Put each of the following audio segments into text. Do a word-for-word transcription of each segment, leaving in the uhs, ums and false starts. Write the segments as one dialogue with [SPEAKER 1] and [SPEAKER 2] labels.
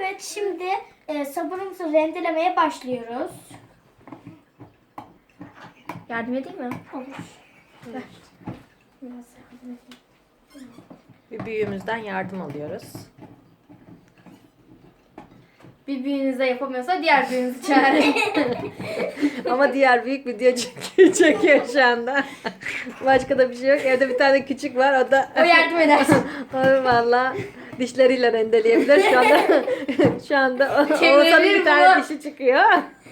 [SPEAKER 1] Evet, şimdi e, sabunumuzu rendelemeye başlıyoruz.
[SPEAKER 2] Yardım edeyim mi?
[SPEAKER 1] Olur.
[SPEAKER 2] Ver.
[SPEAKER 1] Biraz yardım edeyim.
[SPEAKER 3] Bir büyüğümüzden yardım alıyoruz.
[SPEAKER 2] Bir büyüğünüz de yapamıyorsa diğer büyüğünüzü çağırın.
[SPEAKER 3] Ama diğer büyük video çekiyor, çekiyor şu anda. Başka da bir şey yok. Evde bir tane küçük var. O da
[SPEAKER 2] O yardım eder.
[SPEAKER 3] o valla dişleriyle rendeleyebilir. Şu anda şu anda o-
[SPEAKER 2] Çevirebilir
[SPEAKER 3] Oğuzhan'ın bir tane
[SPEAKER 2] bunu.
[SPEAKER 3] dişi çıkıyor.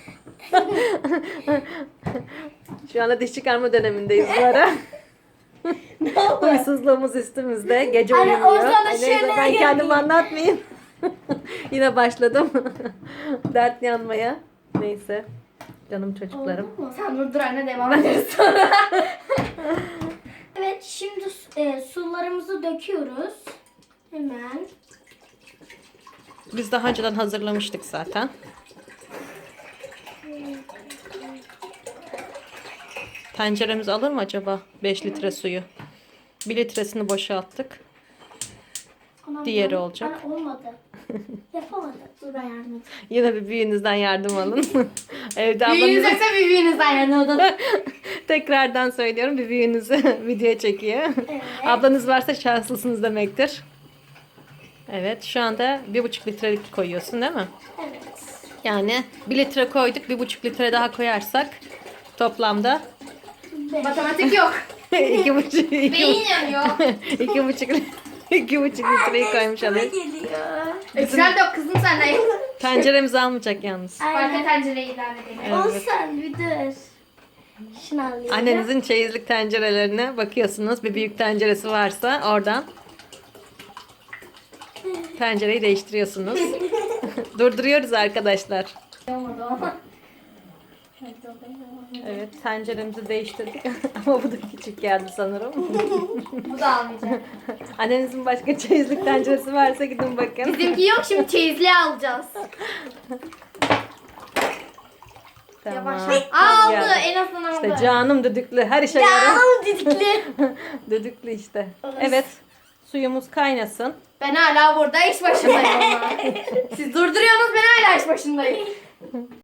[SPEAKER 3] Şu anda diş çıkarma dönemindeyiz bu ara. Huysuzluğumuz üstümüzde. Gece
[SPEAKER 1] Anne,
[SPEAKER 3] uyumuyor.
[SPEAKER 1] Oğuzhan'a
[SPEAKER 3] Ay, neyse,
[SPEAKER 1] şöyle
[SPEAKER 3] ben kendimi
[SPEAKER 1] yapayım.
[SPEAKER 3] anlatmayayım. Yine başladım. Dert yanmaya. Neyse. Canım çocuklarım.
[SPEAKER 1] Oldu mu?
[SPEAKER 2] Sen dur dur anne, devam ederiz sonra.
[SPEAKER 1] Evet, şimdi e, sularımızı döküyoruz. Hemen.
[SPEAKER 3] Biz daha önceden hazırlamıştık zaten. Tenceremiz alır mı acaba beş litre suyu? bir litresini boşalttık.
[SPEAKER 1] Anam,
[SPEAKER 3] Diğeri
[SPEAKER 1] ben-
[SPEAKER 3] olacak.
[SPEAKER 1] Ben olmadı. Yapamadım. Dur, ben yardım edeyim.
[SPEAKER 3] Yine bir büyüğünüzden yardım alın. Evde
[SPEAKER 2] Büyüğünüz
[SPEAKER 3] ablanız
[SPEAKER 2] yoksa bir büyüğünüzden yardım edin.
[SPEAKER 3] tekrardan söylüyorum, bir büyüğünüzü videoya çekiyor.
[SPEAKER 1] Evet.
[SPEAKER 3] Ablanız varsa şanslısınız demektir. Evet, şu anda bir buçuk litrelik koyuyorsun değil mi?
[SPEAKER 1] Evet.
[SPEAKER 3] Yani bir litre koyduk, bir buçuk litre daha koyarsak toplamda
[SPEAKER 1] Beş.
[SPEAKER 2] Matematik yok.
[SPEAKER 3] iki buçuk iki,
[SPEAKER 2] Beyin yanıyor.
[SPEAKER 3] iki buçuk iki buçuk litreyi koymuş
[SPEAKER 1] Üstüme
[SPEAKER 3] alıyoruz.
[SPEAKER 1] geliyor.
[SPEAKER 2] Ekstrem de yok kızım senden.
[SPEAKER 3] Tenceremizi almayacak yalnız.
[SPEAKER 2] Farklı
[SPEAKER 1] Aynen.
[SPEAKER 2] tencereyi idare edelim.
[SPEAKER 3] Evet.
[SPEAKER 1] Olsan bir dur. Şunu alayım.
[SPEAKER 3] Annenizin çeyizlik tencerelerine bakıyorsunuz. Bir büyük tenceresi varsa oradan tencereyi değiştiriyorsunuz. Durduruyoruz arkadaşlar.
[SPEAKER 2] Olmadı ama.
[SPEAKER 3] Evet, tenceremizi değiştirdik ama bu da küçük geldi sanırım.
[SPEAKER 2] Bu da almayacak.
[SPEAKER 3] Annenizin başka çeyizlik tenceresi varsa gidin bakın.
[SPEAKER 2] Bizimki yok, şimdi çeyizliği alacağız.
[SPEAKER 3] Tamam.
[SPEAKER 2] Yavaş. Aa, aldı,
[SPEAKER 3] geldi.
[SPEAKER 2] en azından aldı.
[SPEAKER 3] İşte canım düdüklü, her işe yarar.
[SPEAKER 1] Canım didikli.
[SPEAKER 3] Düdüklü işte. Evet, suyumuz kaynasın.
[SPEAKER 2] Ben hala burada iş başındayım ama. Siz durduruyorsunuz, ben hala iş başındayım.